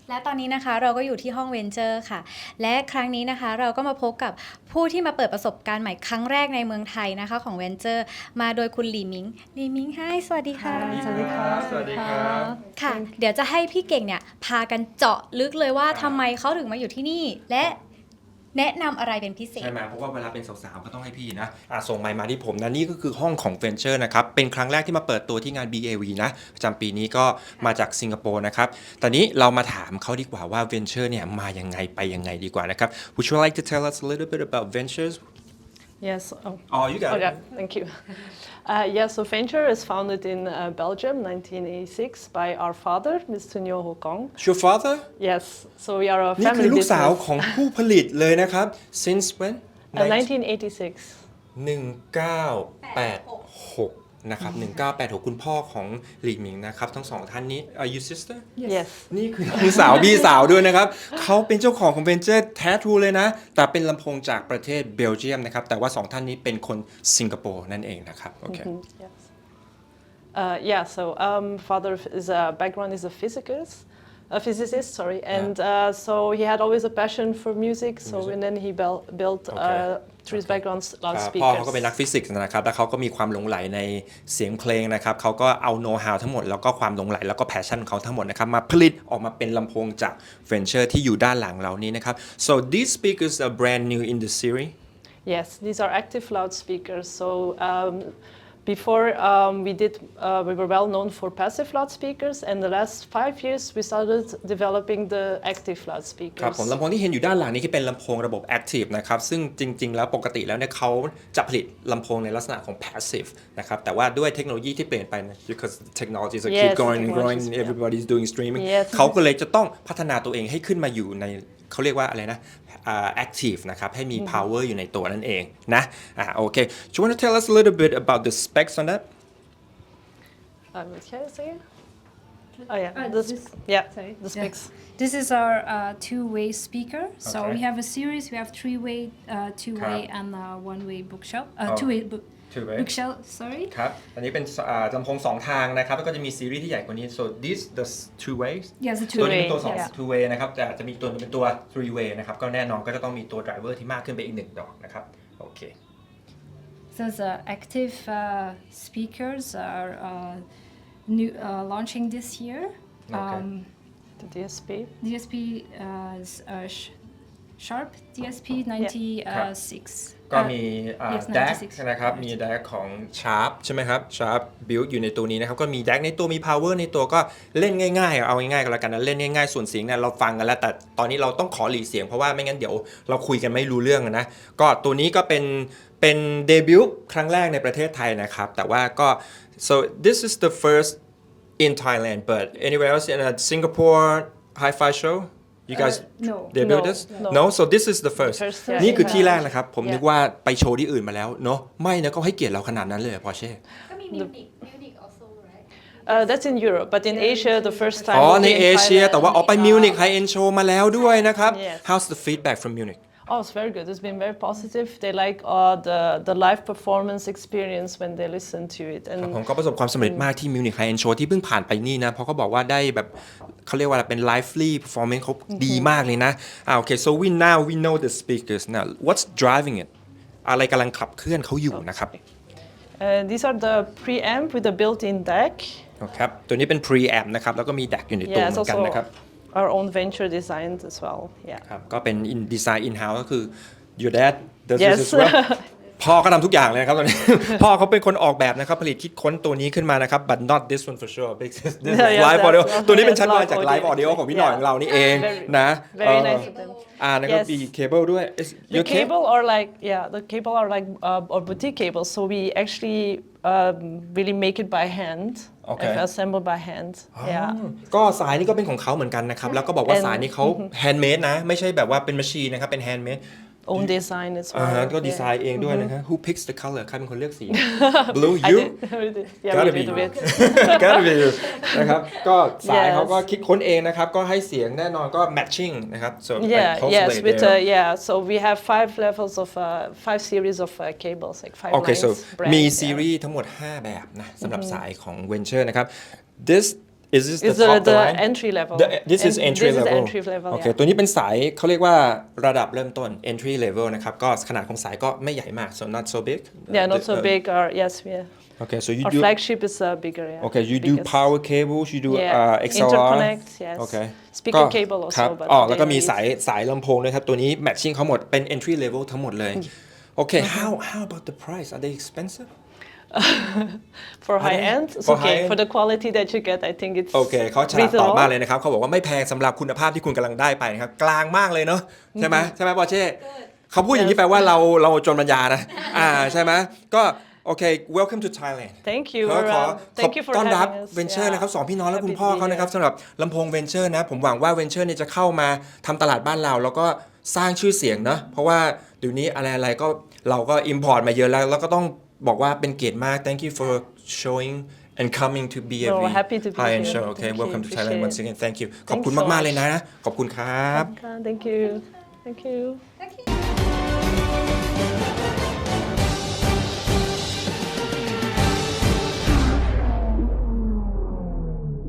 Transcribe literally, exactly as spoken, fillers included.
และตอนนี้นะคะเราก็อยู่ที่ห้องเวนเจอร์ค่ะและครั้งนี้นะคะเราก็มาพบกับผู้ที่มาเปิดประสบการณ์ใหม่ครั้งแรกในเมืองไทยนะคะของเวนเจอร์มาโดยคุณหลี่มิงหลี่มิงให้สวัสดีค่ะสวัสดีครับสวัสดีครับค่ะ เดี๋ยวจะให้พี่เก่งเนี่ยพากันเจาะลึกเลยว่าทำไมเขาถึงมาอยู่ที่นี่และแนะนำอะไรเป็นพิเศษใช่ไหมเพราะว่าเวลาเป็นสาวๆก็ต้องให้พี่นะอ่ะส่งไมค์มาที่ผมนะนี่ก็คือห้องของ Venture นะครับเป็นครั้งแรกที่มาเปิดตัวที่งาน บี เอ วี นะประจำปีนี้ก็มาจากสิงคโปร์นะครับตอนนี้เรามาถามเขาดีกว่าว่า Venture เนี่ยมายังไงไปยังไงดีกว่านะครับ Would you like to tell us a little bit about Ventures? Yes. Oh, Oh, you got oh it. yeah, thank you. Uh, yeah, so Venture is founded in uh, Belgium, nineteen eighty-six, by our father, Mister Nyo Ho Kong. Your father? Yes, so we are a นี่คือ family ลูกสาว business. ของผู้ผลิตเลยนะครับ Since when? Uh, nineteen eighty-six. หนึ่งเก้าแปดหกนะครับหนึ่งเก้าแปดหกคุณพ่อของหลีหมิงนะครับทั้งสองท่านนี้ Are you sister? Yes. นี่คือน้องสาวพี่สาวด้วยนะครับ เขาเป็นเจ้าของของเ Venture แท้ทรูเลยนะ แต่เป็นลำโพงจากประเทศเบลเยียมนะครับ แต่ว่าสองท่านนี้เป็นคนสิงคโปร์นั่นเองนะครับโอเค Mhm, yes. Uh, yeah, so um, father is a background is a physicist, a physicist, sorry, and uh, so he had always a passion for music. So Music. and then he built, built Okay. uh, through his Okay. background อ่า loudspeakers. พ่อเขาก็เป็นนักฟิสิกส์นะครับ แล้วเขาก็มีความหลงใหลในเสียงเพลงนะครับ เขาก็เอาโน้ตฮาวทั้งหมด แล้วก็ความหลงใหลแล้วก็แพชชั่นของเขาทั้งหมดนะครับ มาผลิตออกมาเป็นลำโพงจาก Venture ที่อยู่ด้านหลังเรานี้นะครับ so these speakers are brand new in the series Yes, these are active loudspeakers. So um, before um, we did, uh, we were well known for passive loudspeakers, and the last five years we started developing the active ครับ loudspeakers. ผมลำโพงที่เห็นอยู่ด้านหลังนี้ที่เป็นลำโพงระบบ Active นะครับซึ่งจริงๆแล้วปกติแล้วเนี่ยเขาจะผลิตลำโพงในลักษณะของ Passive นะครับแต่ว่าด้วยเทคโนโลยีที่เปลี่ยนไปนะ because technologies are keep Yes, growing and growing technologies, yeah. everybody's doing streaming Yes. เขาก็เลยจะต้องพัฒนาตัวเองให้ขึ้นมาอยู่ในเขาเรียกว่าอะไรนะอ่า active นะครับให้มี power อยู่ในตัวนั่นเองนะอ่าโอเค Do you want to tell us a little bit about the specs on that Um, can I say it? Oh yeah, Uh, the, this- sp- yeah, sorry. the Yeah. specs. This is our uh, two-way speaker. So Okay. we have a series. We have three-way, uh, two-way, ครับ and uh, one-way bookshelf. Uh, Oh. Two-way book Two way bookshelf. Sorry. ครับอันนี้เป็นอ่าลำโพงสองทางนะครับแล้วก็จะมีซีรีส์ที่ใหญ่กว่านี้ so this the two ways Yes, the ตัว two-way. นี้เป็นตัวสอง yeah. two way นะครับแต่จะมีตัวหนึงเป็นตัว three way นะครับก็แน่นอนก็จะต้องมีตัว driver ที่มากขึ้นไปอีกหนึ่งดอกนะครับโอเค So the active uh, speakers are uh, new uh, launching this year. Okay. Um, The D S P. D S P uh, is uh, sh- Sharp D S P ninety-six. ก็มีอ่า yes, แดก ninety-six. นะครับมีแดกของ Sharp ใช่ไหมครับ Sharp build อยู่ในตัวนี้นะครับก็มีแดกในตัวมี power ในตัวก็เล่นง่ายๆเอาง่ายๆกันแล้วกันนะเล่นง่ายๆส่วนเสียงเนี่ยเราฟังกันแล้วแต่ตอนนี้เราต้องขอหลีเสียงเพราะว่าไม่งั้นเดี๋ยวเราคุยกันไม่รู้เรื่องนะก็ตัวนี้ก็เป็นเป็นเดบิวต์ครั้งแรกในประเทศไทยนะครับแต่ว่าก็ so this is the first in Thailand but anywhere else in a Singapore hi-fi show you guys no. debut No, this no. no so this is the first First, yeah. นี่คือที่แรกนะครับ ผม Yeah. นึกว่าไปโชว์ที่อื่นมาแล้วเนาะไม่นะก็ให้เกียรติเราขนาดนั้นเลยพอเช่ก็มีมิวนิกมิวนิก also right Uh, that's in Europe, but in Asia, the first time. อ๋อ will ใน be in เอเชีย Thailand. แต่ว่าออกไป Uh, มิวนิกไฮเอ็นโชว์มาแล้วด้วยนะครับ Yes. How's the feedback from Munich Oh, it's very good. It's been very positive. They like uh, the the live performance experience when they listen to it. ครับ And ผมก็ประสบความสำเร็จมากที่มิวนิกไฮเอ็นโชว์ที่เพิ่งผ่านไปนี่นะเพราะเขาบอกว่าได้แบบเขาเรียกว่าอะไรเป็น lively performance เขาดีมากเลยนะอ่าโอเค so we now we know the speakers now what's driving it อะไรกำลังขับเคลื่อนเขาอยู่นะครับ uh, these are the preamp with the built-in D A C. ครับตัวนี้เป็น preamp นะครับแล้วก็มี D A C อยู่ในตัว Yeah, เห it's มือนกัน also นะครับ our own venture designed as well. Yeah. ครับก็เป็น in design in house ก็คือ your dad does Yes. this as well พ่อก็ทำทุกอย่างเลยนะครับตอนนี้ พ่อเขาเป็นคนออกแบบนะครับผลิตคิดค้นตัวนี้ขึ้นมานะครับ but not this one for sure this is this is Yeah, yeah, live that's audio one. ตัวนี้เป็น Yes, ชั้นวาง live จาก live audio audio ของพี่หน่อย Yeah. ของเรานี่เอง Very- นะ very เอ่อ nice of them. อ่านะครับ Yes. มีเคเบิลด้วย Is- The your cable cable are like yeah, the cable are like uh, or boutique cables. So we actually um, really make it by hand. Okay. Like, assemble by hand. อ๋อ Yeah. ก็สายนี่ก็เป็นของเขาเหมือนกันนะครับแล้วก็บอกว่า And- สายนี้เขา handmade นะไม่ใช่แบบว่าเป็น machine นะครับเป็น handmade Own design as อ่า well. ฮะก็ Yeah. ดีไซน์เองด้วยนะฮะ Who picks the color ใครเป็นคนเลือกสี Blue I you did. we did. Yeah, Gotta we be did a you. bit. gotta be you นะครับก็สาย Yes. เขาก็คิดค้นเองนะครับก็ให้เสียงแน่นอนก็ matching นะครับ so like Yeah, closely yes, with there. uh, yeah. So we have five levels of uh, five series of uh, cables, like five โอเค lines. so brands, มี yeah. ซีรีส์ทั้งหมดห้าแบบนะสำหรับสายของ Venture นะครับ this is this the It's the, top the the line entry level. The, this is And entry this level is entry level. โอเค yeah. ตัวนี้เป็นสายเขาเรียกว่าระดับเริ่มต้น entry level นะครับก็ขนาดของสายก็ไม่ใหญ่มาก so not so big Yeah, not The- so uh, big. Or yes, yeah. okay so you Our do flagship is uh, bigger. Yeah. okay you do biggest. power cables you do Yeah. uh, X L R Interconnect. Yes. okay Speaker ก็ cable ครับ also. But อ๋อ they แล้วก็มี use- สายสายลำโพงด้วยครับตัวนี้ matching เขาหมดเป็น entry level ทั้งหมดเลย okay how how about the price are they expensive For Are high they- end, it's for okay. high For end? the quality that you get, I think it's โอเคเขาฉลาดตอบ reasonable. มากเลยนะครับเขาบอกว่าไม่แพงสำหรับคุณภาพที่คุณกำลังได้ไปนะครับกลางมากเลยเนาะใช่ไหมใช่ไหมปอเช่เขาพูดอย่างนี้แปลว่าเราเราจนปัญญานะอ่าใช่ไหมก็โอเค welcome to Thailand Thank you. ขอ We're, ขอ um, ขอ thank you for ต้อนรับ having us. เวนเจอร์ Yeah. นะครับสองพี่น้องและ Happy คุณ to พ่อ be เขานะครับ here. สำหรับลำโพงเวนเจอร์นะผมหวังว่าเวนเจอร์เนี่ยจะเข้ามาทำตลาดบ้านเรา แล้วก็สร้างชื่อเสียงนะเพราะว่าเดี๋ยวนี้อะไรๆก็เราก็ import มาเยอะแล้ว แล้วก็ต้องบอกว่าเป็นเกียรติมาก thank you for showing and coming to B A V No, happy to be High End here. Show okay Thank you. welcome to Thailand Appreciate once again thank you ขอบ Thanks คุณ so มาก ๆ much. เลยนะ ขอบคุณครับ Thank you. Thank you.